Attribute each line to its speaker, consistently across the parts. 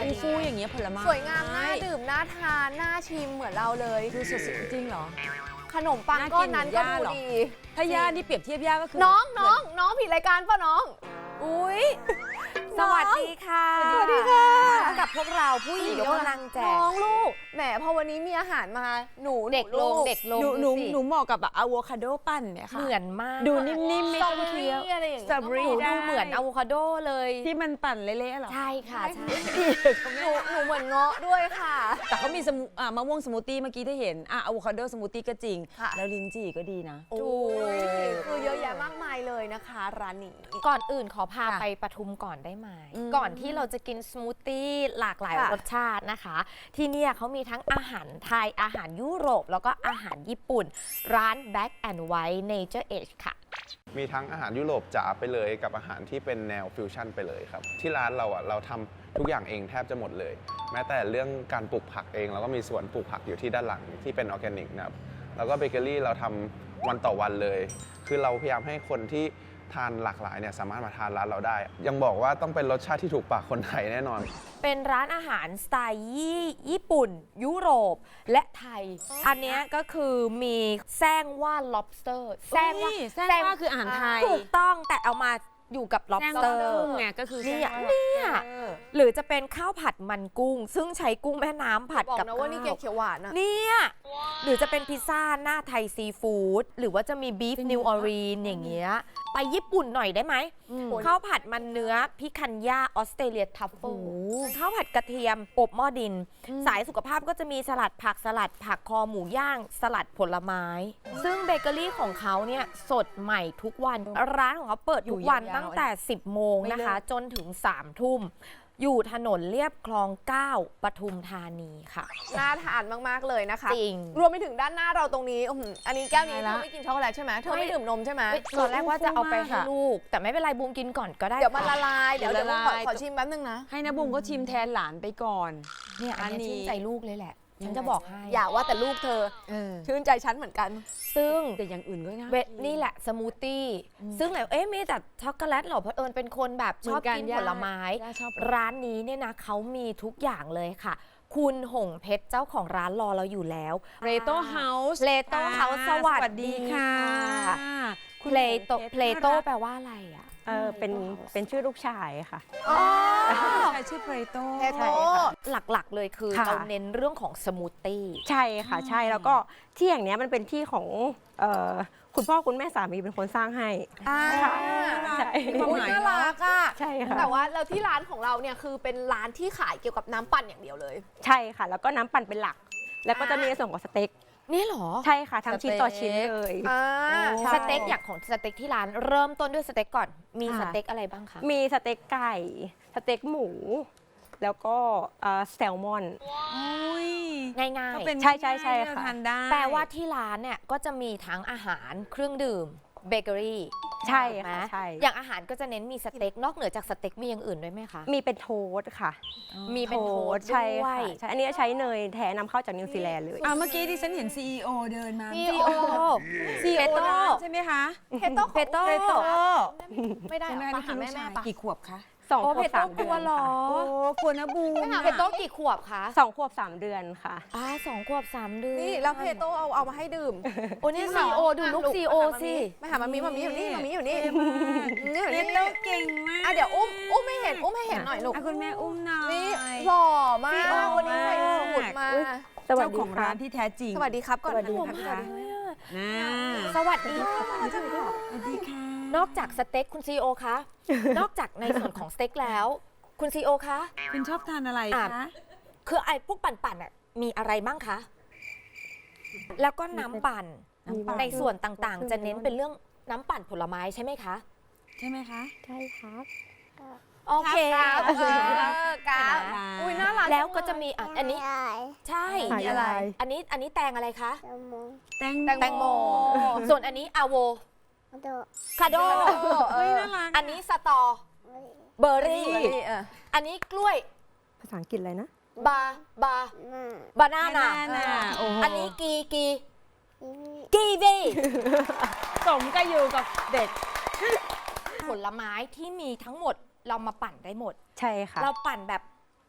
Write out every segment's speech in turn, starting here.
Speaker 1: ฟูๆอย่างเงี้ยผลไม้
Speaker 2: สวยงามน่าดื่มน่าทานน่าชิมเหมือนเราเลย
Speaker 1: ดูสดๆจริงเหรอ
Speaker 2: ขนมปังก้อนนั้นก็ดูดี
Speaker 1: ถ้าย่านี่เปรียบเทียบย่าก็คือ
Speaker 2: น้องผิดรายการป่ะน้อง
Speaker 3: อุ๊ย สวัสดีค่ะ
Speaker 2: สวัสดีค่ะ
Speaker 3: กับพวกเราผู้หญิงยกกำลังแจก
Speaker 2: น้องลูกแหมพอวันนี้มีอาหารมาหนู
Speaker 3: เด็กลง
Speaker 2: ลู
Speaker 3: เด็กลง
Speaker 1: หนู
Speaker 3: ดูสิ
Speaker 1: เหมาะกับแบบอะโวคาโดปั้นเนี่ยค่ะ
Speaker 3: เหมือนมาก
Speaker 1: ดูนิ่มๆไม่
Speaker 2: สตรอ
Speaker 1: ต้อง
Speaker 2: เบอ
Speaker 1: เคี้
Speaker 2: รี่
Speaker 1: ยว
Speaker 2: อะไรอย่าง
Speaker 1: สตรอเบอรี่
Speaker 3: หนู
Speaker 1: ได้
Speaker 3: ดูเหมือนอะโวคาโดเลย
Speaker 1: ที่มันปั่นเละๆเหรอ
Speaker 3: ใช่ค่ะใช่
Speaker 2: หนูเหมือนเงาะด้วยค่ะ
Speaker 1: แต่เขามีมะม่วงสมูทตี้เมื่อกี้ที่เห็นอะโวคาโดสมูทตี้ก็จริง
Speaker 2: ค่ะ
Speaker 1: แล้วลิ้นจี่ก็ดีนะ
Speaker 2: โอ้ยคือเยอะแยะมากมายเลยนะคะร้านนี้
Speaker 3: ก่อนอื่นขอพา
Speaker 1: ค่ะ
Speaker 3: ไปปทุมก่อนได้ไหม
Speaker 1: อืม
Speaker 3: ก่อนที่เราจะกินสมูทตี้หลากหลาย
Speaker 2: ค่ะ
Speaker 3: รสชาตินะคะ ที่เนี่ยเขามีทั้งอาหารไทยอาหารยุโรปแล้วก็อาหารญี่ปุ่น ร้าน Black and White Nature Edge ค่ะ
Speaker 4: มีทั้งอาหารยุโรปจ๋าไปเลยกับอาหารที่เป็นแนวฟิวชั่นไปเลยครับ ที่ร้านเราเราทำทุกอย่างเองแทบจะหมดเลย แม้แต่เรื่องการปลูกผักเองเราก็มีสวนปลูกผักอยู่ที่ด้านหลังที่เป็นออร์แกนิกนะครับแล้วก็เบเกอรี่เราทำวันต่อวันเลย คือเราพยายามให้คนที่ทานหลากหลายเนี่ยสามารถมาทานร้านเราได้ ยังบอกว่าต้องเป็นรสชาติที่ถูกปากคนไทยแน่นอน
Speaker 3: เป็นร้านอาหารสไตล์ญี่ปุ่น ยุโรปและไทย อันเนี้ยก็คือมีแซงว่า lobster
Speaker 1: แซงว่าคืออาหารไทย
Speaker 3: ถูกต้องแต่เอามาอยู่กับ
Speaker 1: แซง
Speaker 3: lobster
Speaker 1: ว่ากุ้งไงก็คือ
Speaker 3: เนี่ย
Speaker 1: แซงว่า
Speaker 3: เนี่ย หรือจะเป็นข้าวผัดมันกุ้ง ซึ่งใช้กุ้งแม่น้ำผัด
Speaker 2: บอก
Speaker 3: กับ
Speaker 2: นะว่านี่แกง
Speaker 3: ข้าว
Speaker 2: เขียวหวานอะ
Speaker 3: เนี่ยหรือจะเป็นพิซซ่าหน้าไทยซีฟู้ดหรือว่าจะมีบีฟนิวออรีนอย่างเงี้ยไปญี่ปุ่นหน่อยได้ไหม ข้าวผัดมันเนื้อพิคันย่าออสเตรเลียทัฟเฟิลข้าวผัดกระเทียมอบหม้อดิน สายสุขภาพก็จะมีสลัดผักคอหมูย่าง สลัดผลไม้ ซึ่งเบเกอรี่ของเขาเนี่ยสดใหม่ทุกวัน ร้านของเขาเปิดทุกวันตั้งแต่ 10 โมงนะคะ จนถึง 3 ทุ่ม อยู่ถนนเลียบคลอง 9 ปทุมธานีค่ะ
Speaker 2: น่าทานมากๆเลยนะคะ
Speaker 3: จริง
Speaker 2: รวมไปถึงด้านหน้าเราตรงนี้อันนี้แก้วนี้
Speaker 1: ได้
Speaker 2: เธ
Speaker 1: ละ
Speaker 2: อไม่กินช็อกโกแลตใช่ไหมเธอไม่ดื่มนมใช่ไหม
Speaker 3: ตอนแรกว่าจะเอาไปให้
Speaker 1: ค่ะ
Speaker 3: ลูก แต่ไม่เป็นไรบูมกินก่อนก็ได้
Speaker 2: เดี๋ยวมันละ
Speaker 3: ค่ะ
Speaker 2: ลายเดี๋ยว
Speaker 1: เดี๋ยวละ
Speaker 2: ขอ
Speaker 1: ลาย
Speaker 2: ขอชิมแป๊บนึงนะ
Speaker 1: ให้นะบุ้งก็ชิมแทนหลานไปก่อน
Speaker 3: เนี่ยอันนี้
Speaker 1: อันนี้
Speaker 3: ชื่นใจลูกเลยแหละ ฉันจะบอกให้
Speaker 2: อย่าว่าแต่ลูกเธอชื่นใจฉันเหมือนกัน
Speaker 3: ซึ่ง
Speaker 1: แต่อย่างอื่นก็น่า
Speaker 3: นี่แหละสมูทตี้ซึ่งไหนมีแต่ช็อกโกแลตเหรอเพราะเอิญเป็นคนแบบชอบกินผลไม้ ร้านนี้เนี่ยนะเขามีทุกอย่างเลยค่ะ คุณหงเพชรเจ้าของร้านรอเราอยู่แล้ว
Speaker 1: เรโตเฮาส์
Speaker 3: เลโต้เฮาส์สวัสดีค่ะ เพลโตแปลว่าอะไรอ่ะ
Speaker 5: เป็นชื่อลูกชายค่ะ
Speaker 1: ใครชื่อเพลโต
Speaker 2: เทโต
Speaker 3: หลักๆเลยคือ
Speaker 5: ค่ะ
Speaker 3: เราเน้นเรื่องของสมูทตี้
Speaker 5: ใช่ค่ะใช่แล้วก็ที่อย่างเนี้ยมันเป็นที่ของคุณพ่อคุณแม่สามีเป็นคนสร้างให้ ค่ะใช่
Speaker 2: อุ๊ยน่ารักอ่ะ
Speaker 5: ใช่ค่ะ
Speaker 2: แต่ว่าเราที่ร้านของเราเนี่ยคือเป็นร้านที่ขายเกี่ยวกับน้ำปั่นอย่างเดียวเลย
Speaker 5: ใช่ค่ะ แล้วก็น้ำปั่นเป็นหลัก แล้วก็จะมีในส่วนของสเต็ก
Speaker 3: นี่เหรอ
Speaker 5: ใช่ค่ะทั้งชิ้นต่อชิ้นเลย ใช่
Speaker 3: สเต็กอย่างของสเต็กที่ร้านเริ่มต้นด้วยสเต็กก่อน มี
Speaker 5: ค่ะ
Speaker 3: สเต็กอะไรบ้างคะ
Speaker 5: มีสเต็กไก่ สเต็กหมู แล้วก็แซลมอน
Speaker 3: ง่าย
Speaker 1: ก็เป็น
Speaker 5: ใช่ๆๆ
Speaker 1: ที่เรา
Speaker 5: ค่ะ
Speaker 1: ทานได้
Speaker 3: ๆ แปลว่าที่ร้านเนี่ยก็จะมีทั้งอาหารเครื่องดื่มเบเกอรี่
Speaker 5: ใช่
Speaker 3: ไหม
Speaker 5: ค่ะใช่
Speaker 3: อย่างอาหารก็จะเน้นมีสเต็กนอกเหนือจากสเต็กมีอย่างอื่นด้วยไหมคะ
Speaker 5: มีเป็นโทสต์ค่ะ
Speaker 3: มีเป็นโทสต์
Speaker 5: ใช่
Speaker 3: ด้ว
Speaker 5: ค่ะ
Speaker 3: ย
Speaker 5: ใช่อันนี้ใช้เนยแท้นำเข้าจากนิวซีแลนด์เลย
Speaker 1: เมื่อกี้ที่ฉันเห็น CEO เดินมา
Speaker 3: CEO
Speaker 1: ซีโอ
Speaker 3: เพโต้
Speaker 1: ร้านใช่ไหมคะ
Speaker 2: เพโต้
Speaker 3: เพโต้
Speaker 2: ไม่ได้
Speaker 1: ใช่ไหม
Speaker 2: ไป
Speaker 1: คะ
Speaker 2: หาแม่
Speaker 1: นี่คือลูกชาย
Speaker 2: ปะ
Speaker 1: กี่ขวบคะ
Speaker 5: 2 ข
Speaker 3: โอ้
Speaker 5: ว
Speaker 3: เพ
Speaker 5: บ
Speaker 3: โต้
Speaker 5: 3
Speaker 3: ก
Speaker 5: เดื
Speaker 3: ลั
Speaker 5: อ
Speaker 3: วน เหรอ
Speaker 1: โอ้ควรนะบูม
Speaker 3: เพโต้กี่ขวบคะ
Speaker 5: ค่ะ2 ขวบ 3 เดือนค่ะ
Speaker 3: 2 ขวบ 3 เดือน
Speaker 2: นี่แล้วเพโต้เอามาให้ดื่ม
Speaker 3: โอ้นี่ซีโอดูลูกซีโอสิ
Speaker 2: ไม่หามามีอยู่นี่มามีอยู่นี่
Speaker 1: เรียน
Speaker 2: นี่
Speaker 1: โตเก่งมาก
Speaker 2: เดี๋ยวอุ้มให้เห็นหน่อยลูก
Speaker 1: คุณแม่อุ้มหน่อย
Speaker 2: นี่หล่อมาก
Speaker 1: CEO
Speaker 2: วันนี้ใส่สูทมา
Speaker 5: สวัส
Speaker 1: เจ้า
Speaker 5: ดี
Speaker 1: ของ
Speaker 5: ครั
Speaker 1: ร้า
Speaker 5: บ
Speaker 1: นที่แท้จริง
Speaker 2: สวัสดีครับก่อน
Speaker 5: สวัสดี
Speaker 2: นะ
Speaker 5: ค่ะ
Speaker 1: นะ
Speaker 3: สวัสดีค่ะ
Speaker 1: สวัสดีค่ะ
Speaker 3: นอกจากสเต็กคุณซีโอคะ นอกจากในส่วนของสเต็กแล้ว คุณซีโอคะ
Speaker 1: คุณชอบทานอะไร
Speaker 3: อ่ะ
Speaker 1: คะ
Speaker 3: คือไอ้พวกปั่นๆอ่ะมีอะไรบ้างคะ แล้วก็น้ำปั่น ในส่วนต่างๆ จะเน้นเป็นเรื่องน้ำปั่นผลไม้ใช่ไหมคะ
Speaker 1: ใช่ไหมคะ
Speaker 5: ใช่ครับ
Speaker 3: โอเค
Speaker 2: ครับครับอุ้ยน่ารัก
Speaker 3: แล้วก็จะมีอันนี้ ใช่
Speaker 5: ขายอะไร
Speaker 3: อันนี้แตงอะไรคะ
Speaker 1: แตง
Speaker 2: แตงโม
Speaker 3: ส่วนอันนี้อะโวคาโด
Speaker 1: เฮ้ยน่ารัก
Speaker 3: อันนี้สตอเบอร์รี่ อันนี้กล้วย
Speaker 5: ภาษาอังกฤษอะไรนะ
Speaker 3: บานาน่า
Speaker 1: โอ้โห
Speaker 3: อันนี้กีวี
Speaker 1: สมก็อยู่กับเด็ก
Speaker 3: ผลไม้ที่มีทั้งหมดเรามาปั่นได้หมด
Speaker 5: ใช่ค่ะ
Speaker 3: เราปั่นแบบ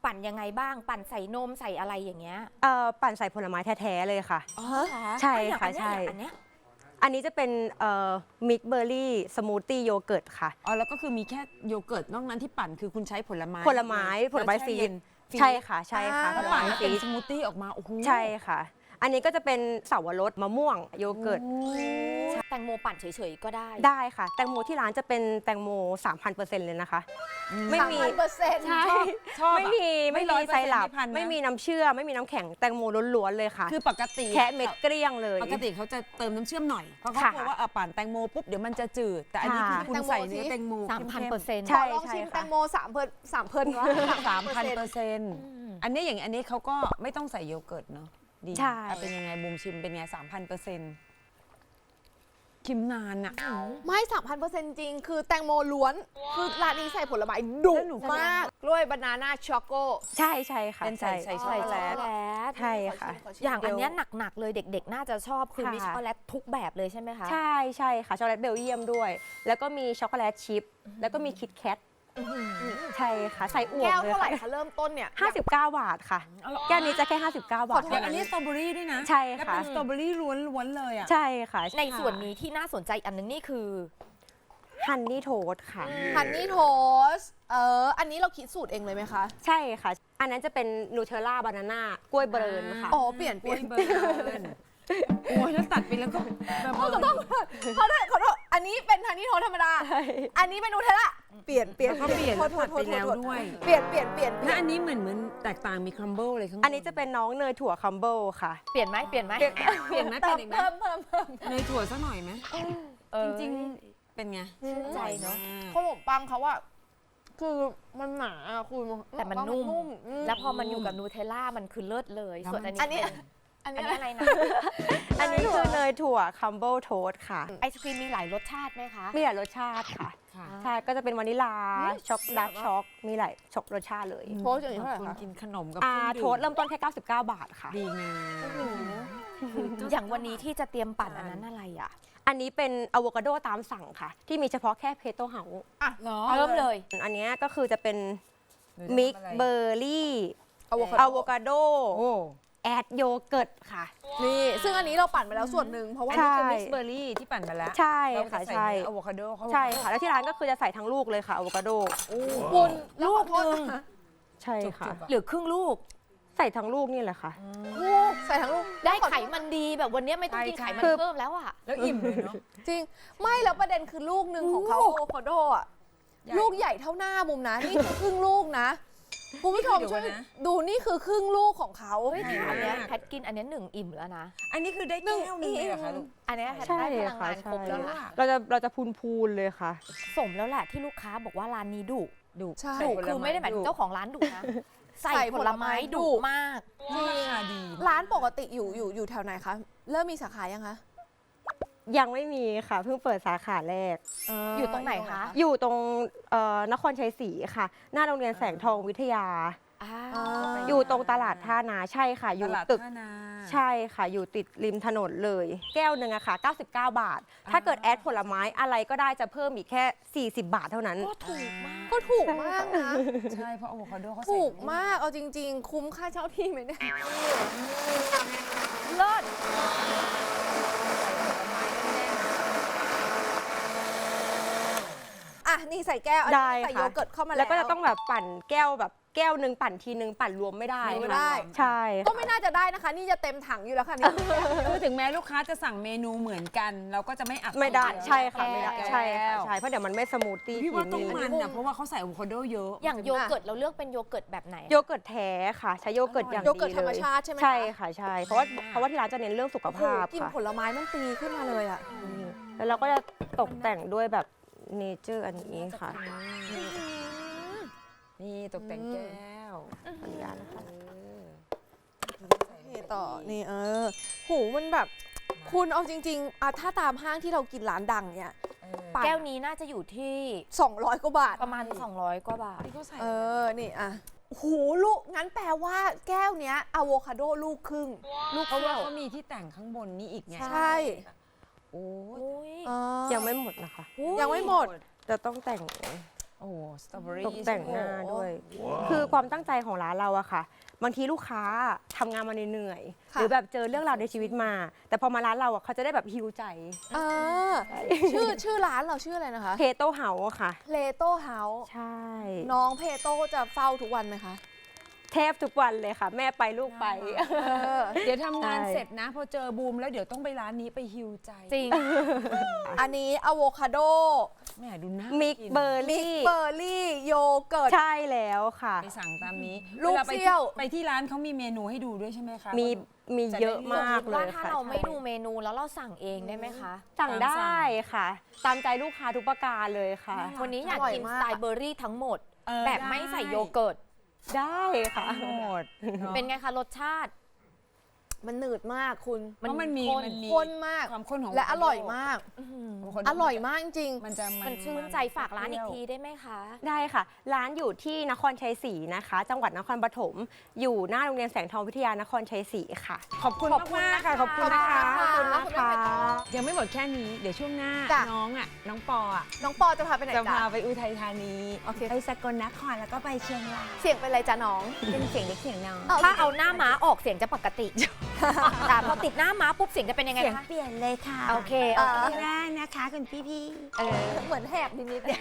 Speaker 3: ปั่นยังไงบ้าง ปั่นใส่นมใส่อะไรอย่างเงี้ย
Speaker 5: ปั่นใส่ผลไม้แท้ๆเลยค่ะ
Speaker 3: อ๋อ
Speaker 5: ใช่ค่ะใช่
Speaker 3: อันเนี้ย
Speaker 5: อันนี้จะเป็นมิกเบอร์รี่สมูทตี้โยเกิร์ตค่ะ
Speaker 1: อ๋อแล้วก็คือมีแค่โยเกิร์ตนอกนั้นที่ปั่นคือคุณใช้ผลไม้
Speaker 5: ผลไม้ฟรีดใช่ค่ะใช่ค่ะ
Speaker 1: แล้วปั่นแล้วเป็นสมูทตี้ออกมาโอ้โห
Speaker 5: ใช่ค่ะ อันนี้ก็จะเป็นเสาวรสมะม่วงโยเกิร์ต
Speaker 3: แตงโมปั่นเฉยๆก็ได้
Speaker 5: ได้ค่ะ แตงโมที่ร้านจะเป็นแตงโม 3,000% เลยนะคะ ไม่มี
Speaker 2: 3,000%
Speaker 5: ใช่
Speaker 1: ชอบอะ
Speaker 5: ไม่มี
Speaker 1: ไม่
Speaker 5: ไซรัป
Speaker 1: 100%พันนะ
Speaker 5: ไม่มีน้ำเชื่อมไม่มีน้ำแข็งแตงโมล้วนๆเลยค่ะ
Speaker 1: คือปกติ
Speaker 5: แค่เม็ดเกลี้ยงเลย
Speaker 1: ปกติเขาจะเติมน้ำเชื่อมหน่อยเพราะเขา
Speaker 5: ค่ะ
Speaker 1: กลัวว่าปั่นแตงโมปุ๊บเดี๋ยวมันจะจืด แต่อันนี้คือ
Speaker 5: ค่ะ
Speaker 1: คุณใส่เนื้อแตงโม
Speaker 3: 3,000%
Speaker 5: ใช่
Speaker 2: ขอลองชิมแตงโม3,000 วะ
Speaker 1: 3,000%อันนี้อย่างอันนี้เขาก็ไม่ต้องใส่โยเกิร์ตเนาะดี
Speaker 5: ใช่
Speaker 1: เป็นยังไงบูมชิมเป็นไง 3,000%คิมนานอะ
Speaker 2: ไม่ 3,000% จริง คือแตงโมล้วน คือร้านนี้ใส่ผลไม้ดุ
Speaker 1: แล้วหนู
Speaker 2: มากกล้วยบานาน่าช็อกโก
Speaker 5: ใช่ค่ะ
Speaker 1: เป็นใส่
Speaker 5: ใช่
Speaker 1: ช็อกโกแลต
Speaker 5: ใช่ค่ะ
Speaker 3: อย่างอันเนี้ยหนักๆเลยเด็กๆ น่าจะชอบคือ
Speaker 5: ค่ะ
Speaker 3: มีช็อกโกแลตทุกแบบเลยใช่ไหมคะ
Speaker 5: ใช่ค่ะช็อกโกแลตเบลเยียมด้วย แล้วก็มีช็อกโกแลตชิพแล้วก็มีคิตแคทใช่ค่ะใส่อวบ
Speaker 2: แก้ว
Speaker 5: เลย
Speaker 2: เท่าไหร่
Speaker 5: ค่ะ
Speaker 2: คะเริ่มต้นเนี่ย
Speaker 5: 59 บาทค่ะ แก้วนี้จะแค่ 59 บาท
Speaker 1: เดี๋ยวอันนี้สตรอเบอรี่ด้วยนะ
Speaker 5: ใช่
Speaker 1: แล้ว
Speaker 5: ค่ะ
Speaker 1: เป็นสตรอเบอรี่ล้วนๆเลยอะ
Speaker 5: ใช่ค่ะ
Speaker 3: ในส่วนนี้ที่น่าสนใจอันนึงนี่คือ
Speaker 5: ฮันนี่โทสค่ะ
Speaker 2: ฮันนี่โทสอันนี้เราคิดสูตรเองเลยไหมคะ
Speaker 5: ใช่ค่ะ อันนั้นจะเป็นนูเทลล่าบานาน่ากล้วยเบรนค่ะ
Speaker 2: อ๋อ เปลี่ยน
Speaker 1: กล้วยเบิร์นโอ้ยแล้วตัดไปแล้วก็แบบ
Speaker 2: ขอโทษอันนี้เป็นฮันนี่โทสธรรมดา อันนี้เป็นนูเทลล่า เปลี่ยน
Speaker 1: แล้วก็เปลี่ยน
Speaker 2: โทษ
Speaker 1: ตัดไปแล้วด้วย
Speaker 2: เปลี่ยน
Speaker 1: แล้วอันนี้เหมือนแตกต่างมีครัมเบิลอะไรข้างบน
Speaker 5: อันนี้จะเป็นน้องเนยถั่วคัมเบิลค่ะ
Speaker 3: เปลี่ยนไหม
Speaker 1: เปลี่ยนไหม
Speaker 2: เติ
Speaker 1: เปลี่ยนไหม
Speaker 2: ม
Speaker 1: อีกไหม
Speaker 2: เพิ่ม
Speaker 1: เนยถั่วสักหน่อยไหมจริงๆเป็นไง
Speaker 3: ชื่นใจเนาะ
Speaker 2: ขนมปังเขาอะคือมันหนาอะคุณ
Speaker 3: แต่มันนุ่ม
Speaker 2: อื
Speaker 3: แล้วพอมันอยู่กับนูเทลล่ามันคือเลิศเลย ส่วนอัน
Speaker 2: อันนี้
Speaker 3: นี้
Speaker 2: อัน
Speaker 3: อัน
Speaker 2: นี้
Speaker 3: นี้อะไรนะ
Speaker 5: อันนี้คือเนยถั่วคัมเบิลโทสค่ะ
Speaker 3: ไอศครีมมีหลายรสชาติไหมคะ
Speaker 5: มีหลายรสชาติค่ะ
Speaker 1: ค่ะ
Speaker 5: ใช่ ก็จะเป็นวานิลา ช็อกดาร์กช็อก มีหลายช็อกรสชาติเลย
Speaker 2: โทสอย่างนี้เท่าไหร่
Speaker 1: คุณ
Speaker 2: คะ
Speaker 1: กินขนมกับ
Speaker 5: โทสเริ่มต้นแค่ 99 บาทค่ะ
Speaker 1: ดีงาม
Speaker 3: อย่างวันนี้ที่จะเตรียมปั่นอันนั้นอะไรอ่ะ
Speaker 5: อันนี้เป็นอะโวคาโดตามสั่งค่ะ ที่มีเฉพาะแค่เพโตเฮา
Speaker 1: เหรอ
Speaker 3: เริ่มเลย
Speaker 5: อันเนี้ยก็คือจะเป็นมิกเบอร์รี่
Speaker 2: อะโว
Speaker 5: อะโวคาโด
Speaker 1: โอ้
Speaker 5: แอดโยเกิร์ตค่ะ
Speaker 2: นี่ ซึ่งอันนี้เราปั่นไปแล้วส่วนหนึ่งเพราะว่า
Speaker 5: ใช่
Speaker 1: เป็นมิกซ์เบอร์รี่ที่ปั่นมาแล้ว
Speaker 5: ใช่
Speaker 1: เรา
Speaker 5: ค่ะ
Speaker 1: จใส่
Speaker 5: ใช่
Speaker 1: อะโวคาโดเข้าไป
Speaker 5: ใช่ค่ะ แล้วที่ร้านก็คือจะใส่ทั้งลูกเลยค่ะอะโวคาโด
Speaker 2: คุณลูกนึง
Speaker 5: ใช่ค่ะ
Speaker 3: หรือครึ่งลูก
Speaker 5: ใส่ทั้งลูกนี่แหละค่ะ
Speaker 2: ใส่ทั้งลูก
Speaker 3: ได้ไขมันดีแบบวันนี้ไม่ต้องกินไขมันเพิ่มแล้วอ่ะ
Speaker 1: แล้วอิ่มเลยเนาะ
Speaker 2: จริง ไม่แล้วประเด็นคือลูกหนึ่งของเขาอะโวคาโดอะ
Speaker 1: ใหญ่
Speaker 2: ลูกใหญ่เท่าหน้าบุมนะ นี่คือครึ่งลูกนะคุณผู้ชม
Speaker 1: เดี๋ยว
Speaker 2: ช่วย
Speaker 1: ก่อนนะ
Speaker 2: ดูนี่คือครึ่งลูกของเขา
Speaker 3: เฮ้ยอันเนี้ยแพทกินอันเนี้ย1 อิ่มแล้วนะ
Speaker 1: อันนี้คือได้แก้วหนึงเลยเหรอคะลูก
Speaker 3: อันเนี้ยแพท
Speaker 5: ใช่
Speaker 3: ได้พลัง
Speaker 5: ค่ะ
Speaker 3: งานครบแล้วล่ะ
Speaker 5: เราจะพูนๆเลยค่ะ
Speaker 3: สมแล้วแหละที่ลูกค้าบอกว่าร้านนี้ดุ
Speaker 1: ดุ
Speaker 2: ใช่
Speaker 3: ดุคือไม่ได้หมายถึงเจ้าของร้านดุนะ ใส่ผลไม้ดุมาก
Speaker 1: ราคาดี
Speaker 2: ร้านปกติอยู่แถวไหนคะ เริ่มมีสาขายังคะ
Speaker 5: ยังไม่มีค่ะ เพิ่งเปิดสาขาแรก
Speaker 3: อยู่ตรงไหนคะ
Speaker 5: อยู่ตรงนครชัยศรีค่ะ หน้าโรงเรียนแสงทองวิทยา อยู่ตรงตลาดท่านาใช่ค่ะ อยู่
Speaker 1: ตลาด
Speaker 5: ตึก
Speaker 1: ท่านา
Speaker 5: ใช่ค่ะ อยู่ติดริมถนนเลย แก้วหนึ่งอะค่ะ 99 บาท ถ้าเกิดแอดผลไม้อะไรก็ได้จะเพิ่มอีกแค่ 40 บาทเท่านั้น
Speaker 3: ก็ถูกมาก
Speaker 2: ก็ถูกมากนะ
Speaker 1: ใช่เพราะอะโวคาโดเขาใส่
Speaker 2: ถูกมาก เอาจริง ๆ คุ้มค่าเช่าที่ไหมเนี่ย
Speaker 3: เลิศ
Speaker 2: อ่ะ นี่ใส่แก้ว อัน
Speaker 5: ได้
Speaker 2: นี้ใส่
Speaker 5: ค่ะ
Speaker 2: โยเกิร์ตเข้ามาแล้ว
Speaker 5: แล้วก็จะต้องแบบปั่นแก้วแบบแก้วหนึ่งปั่นทีนึงปั่นรวมไม่ได้
Speaker 2: ไม่ได้
Speaker 5: ใช่
Speaker 2: ก็ไม่น่าจะได้นะคะ นี่จะเต็มถังอยู่แล้วค่ะนี่
Speaker 1: คือถึงแม้ลูกค้าจะสั่งเมนูเหมือนกัน เราก็จะไม่อัด
Speaker 5: ไม่ได้
Speaker 1: แก้ว
Speaker 5: ใช่ค่ะไม่ได้
Speaker 1: แก้ว
Speaker 5: ใช่ค่ะใช่เพราะเดี๋ยวมันไม่สมูทตี้
Speaker 1: พี่ว่าต้อง
Speaker 5: กิ
Speaker 1: มันอ่ะเพราะว่าเขาใส่อะโวคาโดเยอะ
Speaker 3: อย่างโยเกิร์ตเราเลือกเป็นโยเกิร์ตแบบไหน
Speaker 5: โยเกิร์ตแท้ค่ะ ใช้โยเกิร์ตอย่าง
Speaker 2: โย
Speaker 5: ดี
Speaker 2: เกิร์ตธรรม
Speaker 5: เลย
Speaker 2: ชาติใช่ไหมคะ
Speaker 5: ใช่ค่ะใช่เพราะว่าที่ร้านจะเน้นเรื่องสุข
Speaker 2: โอ้โห
Speaker 5: ภาพ
Speaker 2: กลิน
Speaker 5: ค่ะ
Speaker 2: ผลไม้มันตีขึ้นมาเลยอ่ะ
Speaker 5: แล้วเราก็จะตกแต่งด้วยแบบเนเจอร์อันนี้ค่ะ
Speaker 1: นี่ตกแต่งแก้ว
Speaker 5: ขออนุญาตนะคะ
Speaker 2: นี่ต่อ นี่หูมันแบบ คุณเอาจริงๆอ่ะถ้าตามห้างที่เรากินร้านดังเนี่ย ปั่น
Speaker 3: แก้วนี้น่าจะอยู่ที่
Speaker 2: 200 กว่าบาท
Speaker 3: ประมาณ 200 กว่าบาท
Speaker 1: ที่เขาใส่
Speaker 2: นี่อ่ะหูลูก งั้นแปลว่าแก้วเนี้ยอะโวคาโดลูกครึ่ง ลูก
Speaker 1: เพราะว่า
Speaker 2: เท่า
Speaker 1: เขามีที่แต่งข้างบนนี้อีกไง
Speaker 2: ใช่
Speaker 1: โอ้ย
Speaker 3: โอ้ย
Speaker 5: ยังไม่หมดนะคะ
Speaker 2: ยังไม่หมด
Speaker 5: จะต้องแต่ง
Speaker 1: โอ้สตรอเบอรี่
Speaker 5: ตกแต่งหน้าด้วย คือความตั้งใจของร้านเราอะค่ะ บางทีลูกค้าทำงานมาเหนื่อยๆ
Speaker 2: ค่ะ
Speaker 5: หรือแบบเจอเรื่องราวในชีวิตมา แต่พอมาร้านเราอะเขาจะได้แบบฮิวใจ
Speaker 2: เออชื่อร้านเราชื่ออะไรนะคะ
Speaker 5: เพโต้เฮาส์ค่ะ
Speaker 2: เพโต้เฮาส์
Speaker 5: ใช่
Speaker 2: น้องเพโต้จะเฝ้าทุกวันไหมคะ
Speaker 5: แทบทุกวันเลยค่ะ แม่ไปลูกไป
Speaker 1: เดี๋ยวทำงาน
Speaker 5: ใช่
Speaker 1: เสร็จนะ พอเจอบูมแล้วเดี๋ยวต้องไปร้านนี้ไปฮิวใจ
Speaker 3: จริง
Speaker 2: อันนี้อะโวคาโด
Speaker 1: แม่ดูน่า
Speaker 5: มิก
Speaker 1: กิน
Speaker 5: เบอร์
Speaker 2: มิก
Speaker 5: รี่
Speaker 2: เบอร์รี่โยเกิร์ต
Speaker 5: ใช่แล้วค่ะ
Speaker 1: ไปสั่งตามนี้
Speaker 2: ลูก
Speaker 1: วาไป
Speaker 2: เซี่ยว
Speaker 1: ไปที่ร้านเขามีเมนูให้ดูด้วยใช่ไหมคะ
Speaker 5: มีเยอะมากเล
Speaker 3: ว่าย ถ้า
Speaker 5: ค่ะ
Speaker 3: เราไม่ดูเมนูแล้วเราสั่งเองได้ไหมคะ
Speaker 5: สั่งได้ค่ะ ตามใจลูกค้าทุกประการเลยค่ะ
Speaker 3: วันนี้อยากกิน
Speaker 2: อร่อย
Speaker 3: ส
Speaker 2: มาก
Speaker 3: ไตล์เบอร์รี่ทั้งหมด
Speaker 1: เออ
Speaker 3: แบบไม่ใส่โยเกิร์ต
Speaker 5: ได้ค่ะ
Speaker 1: หมด
Speaker 3: เป็นไงคะรสชาติ
Speaker 2: มันหนืดมากคุณ
Speaker 1: เพราะมันมี
Speaker 2: ข้นมาก
Speaker 1: ความข้นของ
Speaker 2: และอร่อยมาก
Speaker 1: คน
Speaker 2: อร่อยมากจริง
Speaker 1: มันจะ
Speaker 3: มันชื่นใจฝากร้านอีกทีได้ไหมคะ
Speaker 5: ได้ค่ะ ร้านอยู่ที่นครชัยศรีนะคะ จังหวัดนครปฐม อยู่หน้าโรงเรียนแสงทองวิทยานครชัยศรีค่ะ
Speaker 1: ขอบคุณ
Speaker 3: ขอบคุณ
Speaker 1: มากๆค่ะ
Speaker 3: นะคะ
Speaker 1: ขอบคุณนะคะ
Speaker 2: ขอบคุณนะคะ
Speaker 1: ยังไม่หมดแค่นี้ เดี๋ยวช่วงหน้า
Speaker 2: จ้ะ
Speaker 1: น้องปออ่ะ
Speaker 2: น้องปอจะพาไปไหน
Speaker 1: จะ
Speaker 2: จ๊ะ
Speaker 1: พาไปอุทัยธานี
Speaker 2: โอเค
Speaker 1: ไปสกลนครแล้วก็ไปเชียงราย
Speaker 2: เสียงเป็นอะไรจ๊ะน้อง
Speaker 1: เป็นเสียงเด็กเสียงน้อง
Speaker 3: ถ้าเอาหน้าม้าออกเสียงจะปกติ แต่พอติดหน้าม้าปุ๊บเสียงจะเป็นยังไง
Speaker 1: เสียง
Speaker 3: คะ
Speaker 1: เปลี่ยนเลยค่ะ
Speaker 3: โอเคโอเค
Speaker 1: ที่แรกนะคะคุณพี่
Speaker 2: เหมือนแหบนิดๆเนี่ย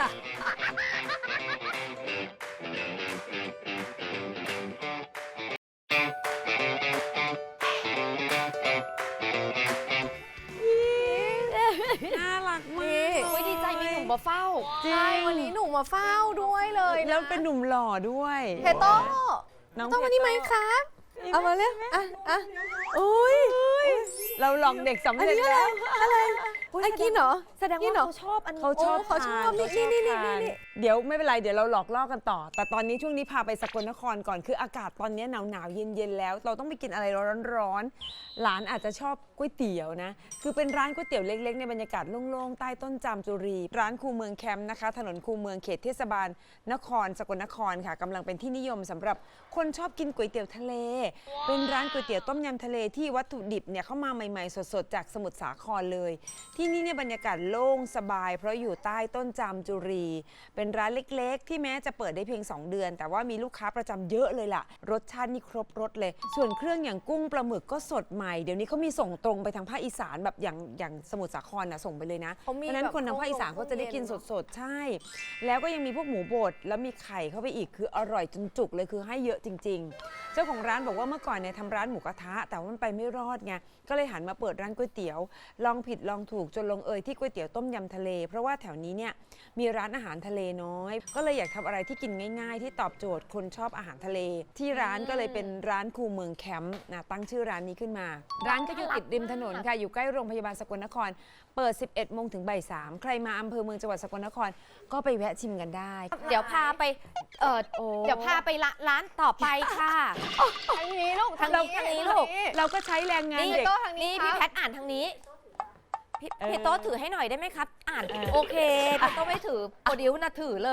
Speaker 1: น่ารักมาก
Speaker 3: โอ้ยดีใจมีหนุ่มมาเฝ้า
Speaker 2: ใช่วันนี้หนูมาเฝ้าด้วยเลยนะ
Speaker 1: แล้วเป็นหนุ่มหล่อด้วย
Speaker 2: เพโต้
Speaker 1: น้อง
Speaker 2: ต้องมานี่ไหมครับเอามาเลยอ่ะอุ้ย
Speaker 1: เราลองเด็กสำเร็จแล้ว
Speaker 2: ไอ้กินเหรอ
Speaker 3: แสดง
Speaker 2: นี่
Speaker 3: ว่า
Speaker 2: เหรอ
Speaker 3: เขาชอบอันนี้
Speaker 1: เขาชอบ
Speaker 2: เขาชอบ
Speaker 1: ทาน
Speaker 2: นี่
Speaker 1: เขาชอบ
Speaker 2: นี่
Speaker 1: ทาน
Speaker 2: นี่
Speaker 1: เดี๋ยวไม่เป็นไรเดี๋ยวเราหลอกล่อกันต่อ แต่ตอนนี้ช่วงนี้พาไปสกลนครก่อนคืออากาศตอนนี้หนาวๆเย็นๆแล้ว เราต้องไปกินอะไรร้อนๆหลานอาจจะชอบก๋วยเตี๋ยวนะคือเป็นร้านก๋วยเตี๋ยวเล็กๆในบรรยากาศโล่งๆใต้ต้นจามจุรี ร้านคูเมืองแคมป์นะคะ ถนนคูเมืองเขตเทศบาลนครสกลนครค่ะกำลังเป็นที่นิยมสำหรับคนชอบกินก๋วยเตี๋ยวทะเล เป็นร้านก๋วยเตี๋ยวต้มยำทะเลที่วัตถุดิบเนี่ยเข้ามาใหม่ๆสดๆจากสมุทรสาครเลย ที่นี่เนี่ยบรรยากาศโล่งสบาย เพราะอยู่ใต้ต้นจามจุรี เป็นร้านเล็กๆ ที่แม้จะเปิดได้เพียง 2 เดือน แต่ว่ามีลูกค้าประจำเยอะเลยล่ะ รสชาตินี่ครบรสเลย ส่วนเครื่องอย่างกุ้งปลาหมึกก็สดใหม่ เดี๋ยวนี้เขามีส่งตรงไปทางภาคอีสานแบบอย่างสมุทรสาครนะส่งไปเลยนะ
Speaker 2: เขามี
Speaker 1: เพราะฉะนั้น
Speaker 2: แบบ
Speaker 1: คนทางภาคอีสานก็จะได้กินสดๆ ใช่ แล้วก็ยังมีพวกหมูบดแล้วมีไข่เข้าไปอีกคืออร่อยจนจุกเลยคือให้เยอะจริง ๆ เจ้าของร้านบอกว่าเมื่อก่อนเนี่ยทำร้านหมูกระทะแต่ว่ามันไปไม่รอดไงก็เลยหันมาเปิดร้านก๋วยเตี๋ยวลองผิดลองถูกจนลงเอยที่ก๋วยเตี๋ยวต้มยำทะเล เพราะว่าแถวนี้เนี่ยมีร้านอาหารทะเลน้อย ก็เลยอยากทำอะไรที่กินง่ายๆ ที่ตอบโจทย์คนชอบอาหารทะเล ที่ร้านก็เลยเป็นร้านคูเมืองแคมป์นะตั้งชื่อร้านนี้ขึ้นมา ร้านก็อยู่ติดริมถนนค่ะอยู่ใกล้โรงพยาบาลสกลนคร เปิด 11 โมงถึงบ่าย 3ใครมาอำเภอเมืองจังหวัดสกลนครก็ไปแวะชิมกันได้
Speaker 3: เดี๋ยวพาไปเดี๋ยวพาไปร้านต่อไปค่ะ
Speaker 2: ทางนี้ลูก
Speaker 3: ทางนี้ลูก
Speaker 1: เราก็ใช้แรงงาน
Speaker 3: นี่
Speaker 1: เด็ก
Speaker 2: โต้ทางนี้
Speaker 3: นี่
Speaker 2: ค
Speaker 3: พี่
Speaker 2: รับ
Speaker 3: แพทอ่านทางนี้พี่
Speaker 1: เออ
Speaker 3: พี่โต๊ะถือให้หน่อยได้ไหมครับ อ่านโอเคพี่โต๊ะไม่ถือโปรดิวนะถือเลย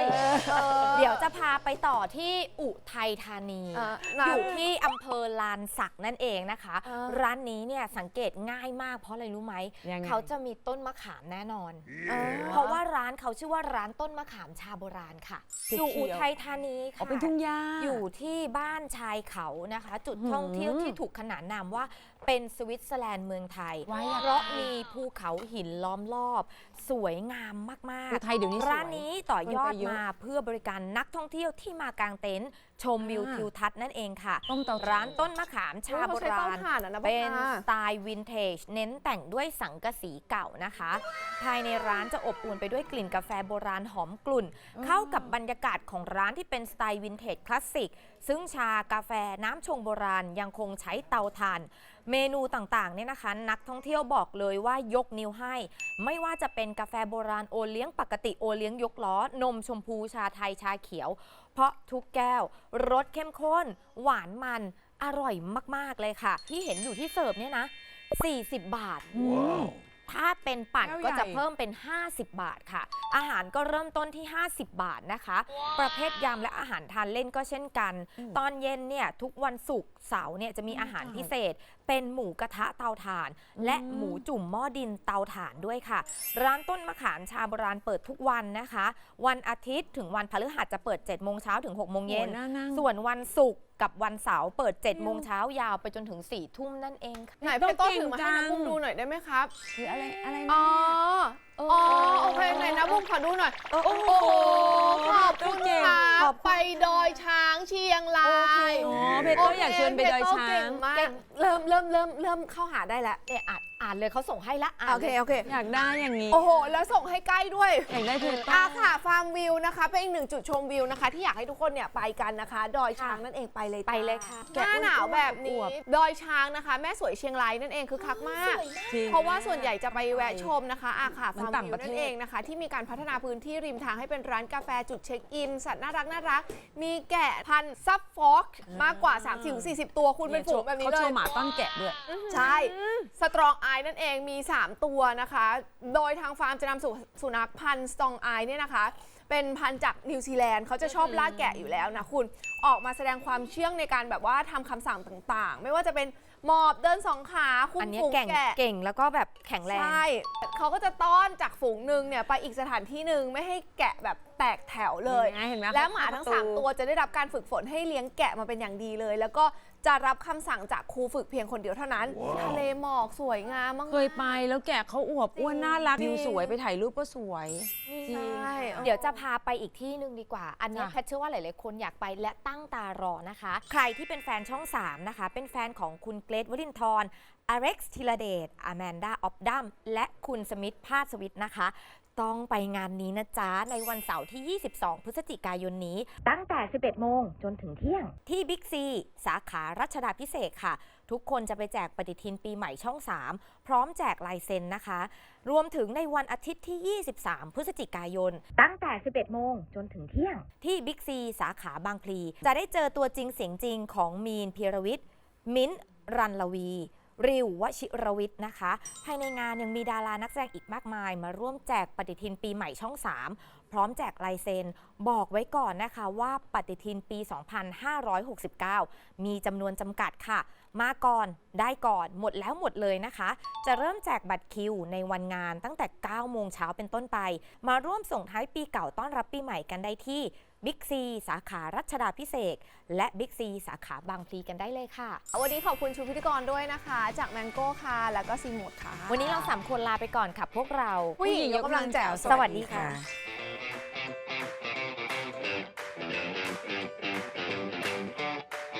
Speaker 3: เดี๋ยวจะพาไปต่อที่อุทัยธานี อยู่ที่อำเภอลานสักนั่นเองนะคะ ร้านนี้เนี่ยสังเกตง่ายมากเพราะอะไรรู้ไหม
Speaker 1: ยังไง
Speaker 3: เขาจะมีต้นมะขามแน่นอน
Speaker 2: อ่า
Speaker 3: เพราะว่าร้านเขาชื่อว่าร้านต้นมะขามชาโบราณค่ะ อยู่อุทัยธานี
Speaker 1: อ๋อ
Speaker 3: ค่ะ
Speaker 1: เป็นทุ่งหญ้า
Speaker 3: อยู่ที่บ้านชายเขานะคะ จุดท่องเที่ยวที่ถูกขนานนามว่าเป็นสวิตเซอร์แลนด์เมืองไทย
Speaker 1: ไว้อะ
Speaker 3: เพราะมีภูเขาหินล้อมรอบ สวยงามมาก
Speaker 1: อุทัยเดี๋ยวนี้สวย
Speaker 3: ร้านนี้ต่อยอด
Speaker 1: คนไปเยอะ
Speaker 3: มาเพื่อบริการนักท่องเที่ยวที่มากางเต็นท์ชมวิวทิวทัศน์นั่นเองค่ะ
Speaker 1: ต้มเตาถ่าน
Speaker 3: ร้านต้นมะขามชาโบ
Speaker 2: เขาใช้เตา
Speaker 3: ราณ
Speaker 2: ถ่านอะนะพ่อ
Speaker 3: เป็น
Speaker 2: ตา
Speaker 3: สไตล์วินเทจเน้นแต่งด้วยสังกะสีเก่านะคะ ภายในร้านจะอบอวลไปด้วยกลิ่นกาแฟโบราณหอมกลุ่น เข้ากับบรรยากาศของร้านที่เป็นสไตล์วินเทจคลาสสิก ซึ่งชากาแฟน้ำชงโบราณยังคงใช้เตาถ่าน เมนูต่างๆเนี่ยนะคะ นักท่องเที่ยวบอกเลยว่ายกนิ้วให้ ไม่ว่าจะเป็นกาแฟโบราณโอเลี้ยงปกติโอเลี้ยงยกล้อนมชมพูชาไทยชาเขียว เพราะทุกแก้วรสเข้มข้น หวานมันอร่อยมากๆเลยค่ะ ที่เห็นอยู่ที่เสิร์ฟเนี่ยนะ 40 บาทถ้าเป็นปั่น
Speaker 1: แก้ว
Speaker 3: ก็จะ
Speaker 1: ใหญ่
Speaker 3: เพิ่มเป็น 50 บาทค่ะ อาหารก็เริ่มต้นที่ 50 บาทนะคะ ประเภทยำและอาหารทานเล่นก็เช่นกัน ตอนเย็นเนี่ยทุกวันศุกร์เสาร์เนี่ยจะมีอาหารพิเศษ เป็นหมูกระทะเตาถ่าน และหมูจุ่มหม้อดินเตาถ่านด้วยค่ะ ร้านต้นมะขามชาโบราณเปิดทุกวันนะคะ วันอาทิตย์ถึงวันพฤหัสจะเปิด 7 โมงเช้าถึง 6 โมงเย็น
Speaker 1: โอ้น่านั่ง
Speaker 3: ส่วนวันศุกร์กับวันเสาร์เปิด 7 โมงเช้ายาวไปจนถึง 4 ทุ่มนั่นเองค่ะ
Speaker 2: ไหนพี่โต้ถือมาให้นะบุ้มดูหน่อยได้ไหมครับ
Speaker 1: คืออะไร
Speaker 2: อ๋
Speaker 1: นะ
Speaker 2: อ อ๋อ โอเคไหนนะบุ้มขอดูหน่อย โอ้โห ขอบคุณค่ะไปดอยช้างเชียงราย
Speaker 1: อ๋อเพชรโต้อยากชวนไปดอยช้า
Speaker 2: เก่
Speaker 1: ง
Speaker 2: งมากเริ่มเข้าหาได้แล้ว
Speaker 3: อ่านเลยเขาส่งให้ละอ่าน
Speaker 2: โอเค
Speaker 3: เลย
Speaker 2: โอเค
Speaker 1: อยากได้อย่างนี้
Speaker 2: โอ้โห แล้วส่งให้ใกล้ด้วย
Speaker 1: อยากได้เพชรโต้
Speaker 2: ค่ะฟาร์มวิวนะคะ เป็นอีกหนึ่งจุดชมวิวนะคะ ที่อยากให้ทุกคนเนี่ยไปกันนะคะ ดอยช้างนั่นเองไปเลยจ้า
Speaker 3: ไปเลยค่ะ
Speaker 2: หน้าหนาวแบบนี้ ดอยช้างนะคะ แม่สวยเชียงรายนั่นเองคือคักมาก
Speaker 1: จริง
Speaker 2: เพราะว่าส่วนใหญ่จะไปแวะชมนะคะค่ะ
Speaker 1: มัน
Speaker 2: ฟาร์ม
Speaker 1: ต่าง
Speaker 2: วิ
Speaker 1: ป
Speaker 2: ว
Speaker 1: ระเทศ
Speaker 2: นั่นเองนะคะ ที่มีการพัฒนาพื้นที่ริมทางให้เป็นร้านกาแฟจุดเช็คอิน สัตว์น่ารัก มีแกะพันธุ์ซับฟ็อกมากกว่า 30-40 ตัวคุณเป็นฝูงแบบนี้
Speaker 1: เขา
Speaker 2: เล
Speaker 1: โช
Speaker 2: ย
Speaker 1: ว์หมาต้อนแกะด้วย
Speaker 2: ใช่ สตรองไอนั่นเองมี 3 ตัวนะคะ โดยทางฟาร์มจะนำสุนัขพันธุ์สตรองไอเนี่ยนะคะ เป็นพันธุ์จากนิวซีแลนด์เขาจะชอบล่าแกะอยู่แล้วนะคุณ ออกมาแสดงความเชื่องในการแบบว่าทำคำสั่งต่างๆ ไม่ว่าจะเป็นหมอบเดินสองขาคุ
Speaker 3: อั
Speaker 2: ม
Speaker 3: นเนี้ย
Speaker 2: ฝูง
Speaker 3: เก่งแล้วก็แบบแข็งแรง
Speaker 2: ใช่ เขาก็จะต้อนจากฝูงหนึ่งเนี่ยไปอีกสถานที่หนึ่งไม่ให้แกะแบบแตกแถวเลย
Speaker 1: เห็นไหม
Speaker 2: และหมาทั้ง 3 ตัวจะได้รับการฝึกฝนให้เลี้ยงแกะมาเป็นอย่างดีเลย แล้วก็จะรับคำสั่งจากครูฝึกเพียงคนเดียวเท่านั้น ทะเลหมอกสวยงามมากๆ
Speaker 1: เคยไปแล้วแกะเขาอวบอ้วนน่ารัก
Speaker 2: จริง
Speaker 1: วิวสวยไปถ่ายรูปก็สวย
Speaker 2: ใช่
Speaker 3: เดี๋ยวจะพาไปอีกที่หนึ่งดีกว่า อันนี้
Speaker 1: จ้ะ
Speaker 3: แพทเชื่อว่าหลายๆคนอยากไปและตั้งตารอนะคะ ใครที่เป็นแฟนช่อง 3 นะคะ เป็นแฟนของคุณเกรทวรินทร์อเร็กซ์ธีรเดชอแมนดาออฟดัมและคุณสมิธพาสวิทนะคะ ต้องไปงานนี้นะจ๊ะ ในวันเสาร์ที่ 22 พฤศจิกายนนี้ ตั้งแต่ 11 โมงจนถึงเที่ยง ที่บิ๊กซีสาขารัชดาภิเษกค่ะ ทุกคนจะไปแจกปฏิทินปีใหม่ช่อง 3 พร้อมแจกลายเซ็นนะคะ รวมถึงในวันอาทิตย์ที่ 23 พฤศจิกายน ตั้งแต่ 11 โมงจนถึงเที่ยง ที่บิ๊กซีสาขาบางพลี จะได้เจอตัวจริงเสียงจริงของมีนพีรวิทย์ มิ้นท์รันลวี ริววชิรวิทย์นะคะ ภายในงานยังมีดารานักแสดงอีกมากมาย มาร่วมแจกปฏิทินปีใหม่ช่อง 3 พร้อมแจกลายเซ็นบอกไว้ก่อนนะคะว่าปฏิทินปี 2569 มีจำนวนจำกัดค่ะ มาก่อนได้ก่อนหมดแล้วหมดเลยนะคะ จะเริ่มแจกบัตรคิวในวันงานตั้งแต่ 9 โมงเช้าเป็นต้นไป มาร่วมส่งท้ายปีเก่าต้อนรับปีใหม่กันได้ที่บิ๊กซีสาขารัชดาภิเษกและบิ๊กซีสาขาบางพลีกันได้เลยค่ะ
Speaker 2: วันนี้ขอบคุณชูพิธีกรด้วยนะคะ จากแมงโก้ค่ะ แล้วก็ซีโมดค่ะ
Speaker 3: วันนี้เรา3 คนลาไปก่อนค่ะพวกเรา
Speaker 2: ผู้หญิงยกกำลังแจ๋ว
Speaker 3: สวัสดีค่ะ